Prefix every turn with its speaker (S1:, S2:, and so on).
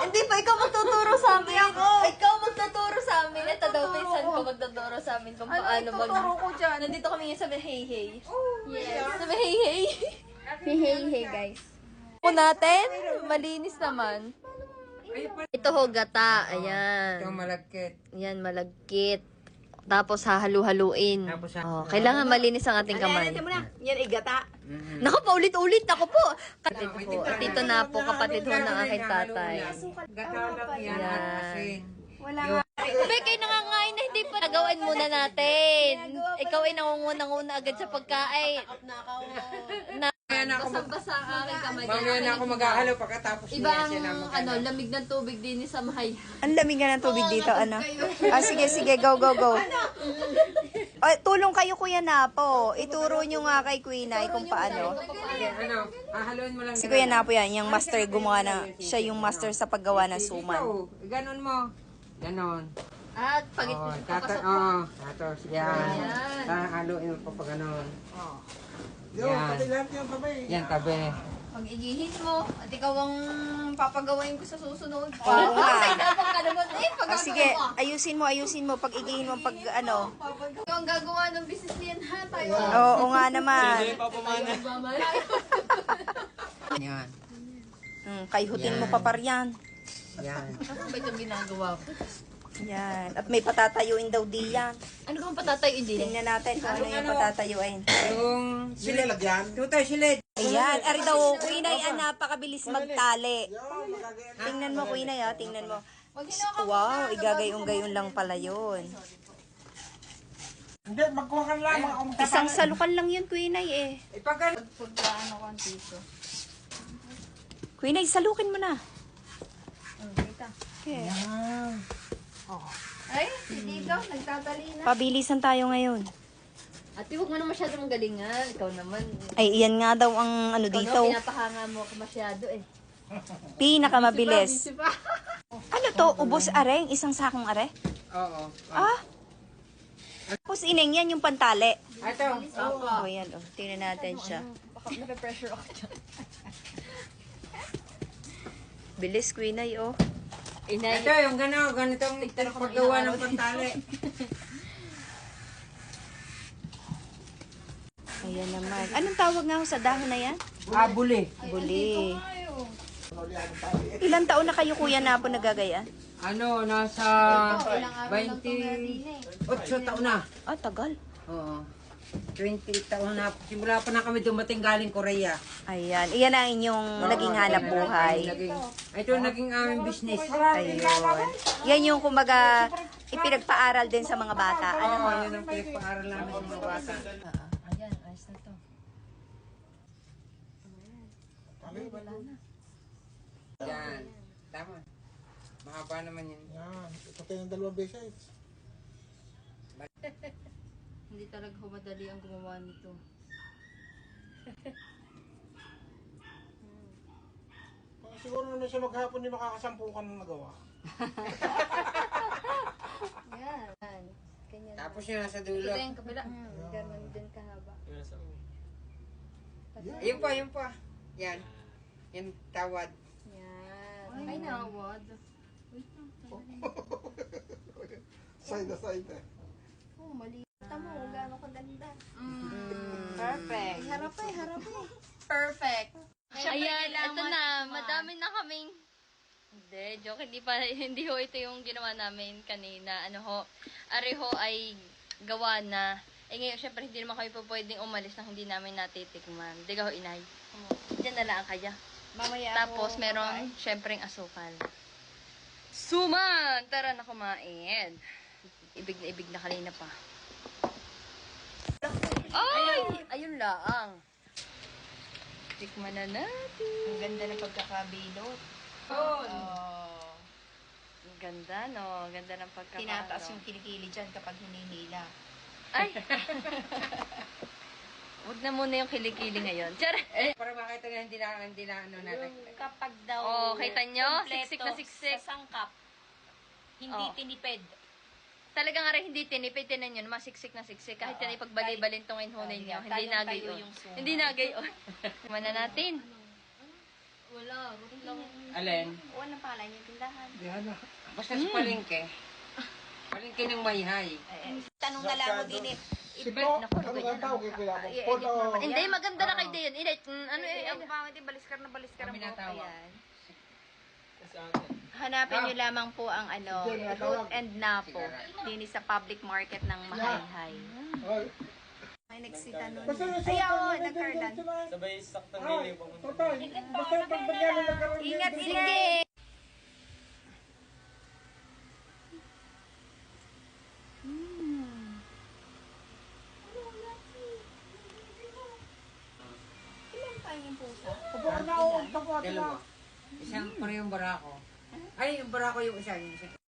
S1: Hindi pa, ikaw magtuturo sa amin. Ikaw magtuturo sa amin. Ito daw, pinsan ko magtuturo sa amin kung paano
S2: Tuturo ko dyan.
S1: Nandito kami ngayon sa Hey Hey.
S2: Yes.
S1: Sa Hey Hey.
S2: Hey, guys.
S1: Po natin, malinis naman. Ito ho, gata. Ayan.
S3: Ito malagkit.
S1: Ayan, malagkit. Tapos hahalu-haluin.
S3: Tapos
S1: Oh, kailangan malinis ang ating kamay.
S2: Yan, igata.
S1: Naku, paulit-ulit ako po. Kapatid po. At ito na po, kapatid ho ng aking tatay.
S3: Gatalak yan
S1: Yan.
S3: at asin.
S2: Wala nga.
S1: Bekay, nangangain na hindi pa. Nagawan muna natin. Ikaw ay nangunguna-nguna agad sa pagkain.
S3: Mamaya na ako
S1: Basang-basa ang aking kamay.
S3: mamaya na ako maghahalo pagkatapos
S1: Ibang,
S3: siya na
S1: ano, lamig ng tubig din sa mahay.
S2: Ang lamig nga ng tubig dito, ano? Sige, go. Tulong kayo, Kuya Napo. Ituro nyo nga kay Queen Ay kung paano.
S3: Ano, hahaluin mo lang.
S2: Si Kuya Napo yan, yung master gumawa na, siya yung master sa paggawa ng suman.
S3: Ito, ganon mo. Ganon.
S1: At pag
S3: Oh,
S1: papasok mo.
S3: tapos yan. Hahaluin mo pa pa ganon. Yan. Yan, tabi.
S1: Pag igihin mo, at ikaw ang papagawain ko sa susunod.
S2: Oo nga.
S1: Tapos ka naman eh, pag
S2: Sige, ayusin mo, pag igihin mo, pag ano.
S1: ikaw ang gagawa ng business niyan ha, tayo.
S2: Oo nga naman.
S3: Yan.
S2: Kayhutin mo pa paryan.
S3: Yan.
S1: Ano ba itong ginagawa ko?
S2: Yan. At may patatayuin daw di yan.
S1: Ano kung patatay hindi?
S2: Tingnan natin kung ano yung patatayuin.
S3: Yung silid. Tutay, silid.
S2: Ayan, ari daw, Queen Ay, napakabilis magtali. Tingnan mo, Queen Ay, tingnan mo. Wow, igagayong-gayon lang pala yun.
S3: Hindi, magkuha ka lang.
S2: Isang salukan lang yun, Queen Ay, eh.
S3: Ipagano.
S1: Pagkaano ko ang dito.
S2: Queen Ay, salukin mo na. Okay.
S1: Ay, hindi ka, nagtatali na.
S2: Pabilisan tayo ngayon.
S1: Ate, huwag mo na masyadong galingan. Ikaw naman.
S2: Ay, iyan nga daw ang ano
S1: Ikaw
S2: dito.
S1: daw, pinapahanga mo ako masyado eh.
S2: Pinakamabilis.
S1: Busy pa.
S2: Ano to? Ubos areng? Isang sakong are?
S3: Oo.
S2: Ah? Tapos ineng yan yung pantali.
S3: Ito.
S2: Oh, yan. Oh. Tingnan natin siya.
S1: Baka nape-pressure ako dyan.
S2: Bilis, Queen Ay, oh.
S1: Inay.
S3: Ito, yung ganitong paggawa ng pantali.
S2: Ayan naman. Anong tawag nga ho sa dahon na yan?
S3: Buli.
S2: Buli. Ilang taon na kayo, Kuya Napo, nagagaya?
S3: Ano, nasa 28 taon na.
S2: Ah, tagal.
S3: Oo. 20 taon na. Simula pa na kami dumating galing Korea.
S2: Ayan. Iyan ang inyong naging hanap buhay.
S3: Ito naging aming business.
S2: Ayun. Yan yung kumbaga ipinagpaaral din sa mga bata. Ano
S3: Oo,
S2: mo?
S3: yun ang pinagpaaral namin sa mga bata.
S1: Ayan, ayos na to. Wala na.
S3: Yan. Tama. Mahaba naman yun.
S4: Yan, ipatay ng dalawang beses.
S1: Hindi talaga humadali ang gumawa nito.
S4: Siguro naman siya maghapon hindi makakasampukan ng nagawa.
S1: Yan. Ganyan.
S3: Tapos yun nasa dulo.
S1: Ito yung kabila. Ganun din kahaba.
S3: Ayun pa, yun pa. Yan. Yan tawad.
S1: Yan. Ay, nawad.
S4: Side na side eh.
S1: Oh, mali. Tama mo, gaano kaganda.
S2: Perfect.
S1: Harap eh. Perfect. Ayan, ito na. Madami na kaming... Hindi, joke. Hindi ho ito yung ginawa namin kanina. Ano ho, ari ho ay gawa na. Eh ngayon, syempre, hindi naman kami po pwedeng umalis nang hindi namin natitikman. Hindi ka ho, inay. Diyan na lang kaya.
S2: Mamaya
S1: Tapos, meron, syempre, asukal. Suman! Tara na kumain. Ibig na kanina pa. Ay! Ayun lang. Tikman na natin.
S2: Ang ganda ng pagkakabilot.
S1: Ang ganda, no? Ang ganda ng pagkakano.
S2: Tinataas yung kilikili dyan kapag hininila.
S1: Ay! Huwag na muna yung kilikili ngayon. Tiyara!
S3: Para makita nga hindi na ano natin.
S2: Kapag daw
S1: Oh, kita nyo?
S2: kumpleto
S1: Siksik na siksik.
S2: sa sangkap, hindi
S1: Oh.
S2: tinipid.
S1: Talaga nga rin hindi tinipid. Tinan yun, masiksik na siksik. Kahit yan ipagbali-balin tong inhunin nyo. Hindi
S2: tayong
S1: nagayon.
S2: tayo yung suman.
S1: Hindi nagayon. Tikman na natin. Wala, root lang.
S3: Alin?
S2: Walang pala niya tindahan.
S4: Yan na.
S3: Basta sa palengke. Palengke ng Mayhay.
S2: Tanong na lang mo din eh.
S4: Si Po, ano ang tawag kay Kuya? Paul o...
S1: Hindi, maganda na kay Dayan. Ano
S2: Ang pangit yung baliskar na baliskar
S3: Kami
S2: mo.
S3: natawag.
S2: Ayan. Hanapin nyo lamang po ang ano, Root and Napo. Dini sa public market ng Mahayhay.
S4: Ay,
S2: May nagsita nun.
S4: basta yung
S2: Ayaw, nagkarlan.
S5: Sabay saktang mili po.
S4: Total, basta pag bagyan nagkaroon din.
S2: Ingat, sige! Ilan tayo yung pusa?
S4: Opo, na o, tapo,
S3: Dalawa. Isang parehong barako. Ay, yung barako yung isa. Yung isa.